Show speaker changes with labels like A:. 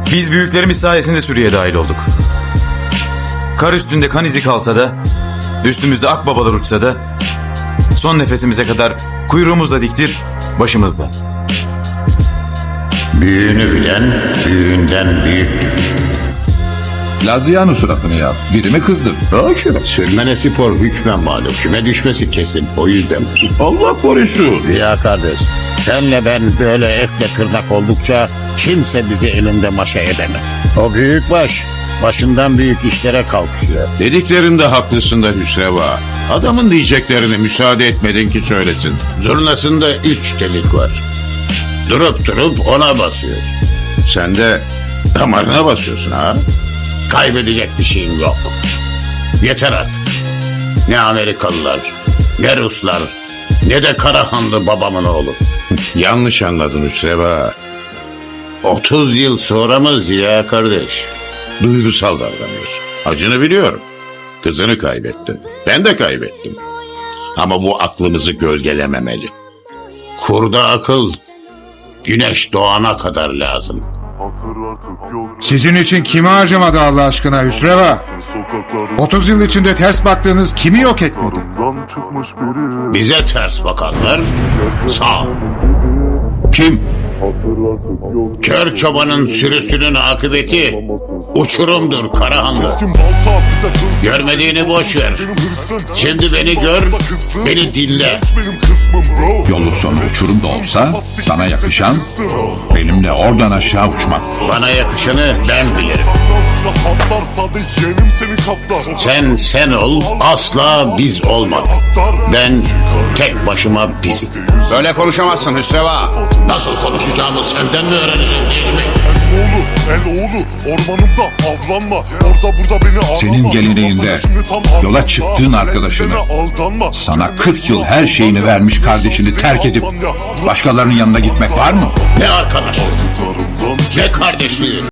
A: Biz büyüklerimiz sayesinde Suriye'ye dahil olduk. Kar üstünde kan izi kalsa da, üstümüzde akbabalar uçsa da, son nefesimize kadar kuyruğumuzla diktir, başımızda.
B: Büyüğünü bilen büyüğünden büyüktür.
C: Laziano suratını yaz. Birimi kızdır.
B: Haşa, sürmene spor hükmen malum. Küme düşmesi kesin. O yüzden.
D: Allah korusun.
B: Ya kardeş, senle ben böyle etle tırnak oldukça kimse bizi elinde maşa edemez. O büyük baş, başından büyük işlere kalkışıyor.
D: Dediklerinde haklısın da Hüsreva. Adamın diyeceklerini müsaade etmedin ki söylesin.
B: Zurnasında 3 delik var. Durup durup ona basıyor.
D: Sen de damarına basıyorsun ha.
B: Kaybedecek bir şeyim yok. Yeter artık. Ne Amerikalılar, ne Ruslar, ne de Karahanlı babamın oğlu.
D: Yanlış anladın Hüsreva.
B: 30 yıl sonra mı Ziya kardeş?
D: Duygusal davranıyorsun. Acını biliyorum. Kızını kaybettin. Ben de kaybettim. Ama bu aklımızı gölgelememeli.
B: Kurda akıl, güneş doğana kadar lazım.
E: Sizin için kimi harcamadı Allah aşkına Hüsreva? 30 yıl içinde ters baktığınız kimi yok etmedi?
B: Bize ters bakanlar sağ.
D: Kim?
B: Kör çobanın sürüsünün akıbeti uçurumdur Karahanlı. Görmediğini boş ver. Şimdi beni gör, beni dinle.
C: Yolu sonu uçurum da olsa sana yakışan benimle oradan aşağı uçmak.
B: Bana yakışanı ben bilirim. Sen ol, asla biz olmadık. Ben tek başıma bizim.
F: Böyle konuşamazsın Hüsreva.
B: Nasıl konuşacağımı senden mi öğreneceğim Necmi?
G: El oğlu ormanımda avlanma. Orada burada beni ağlama.
C: Senin geleneğinde yola çıktığın arkadaşını, sana 40 yıl her şeyini vermiş kardeşini terk edip başkalarının yanına gitmek var mı?
B: Ne arkadaşlığı, ne kardeşliği.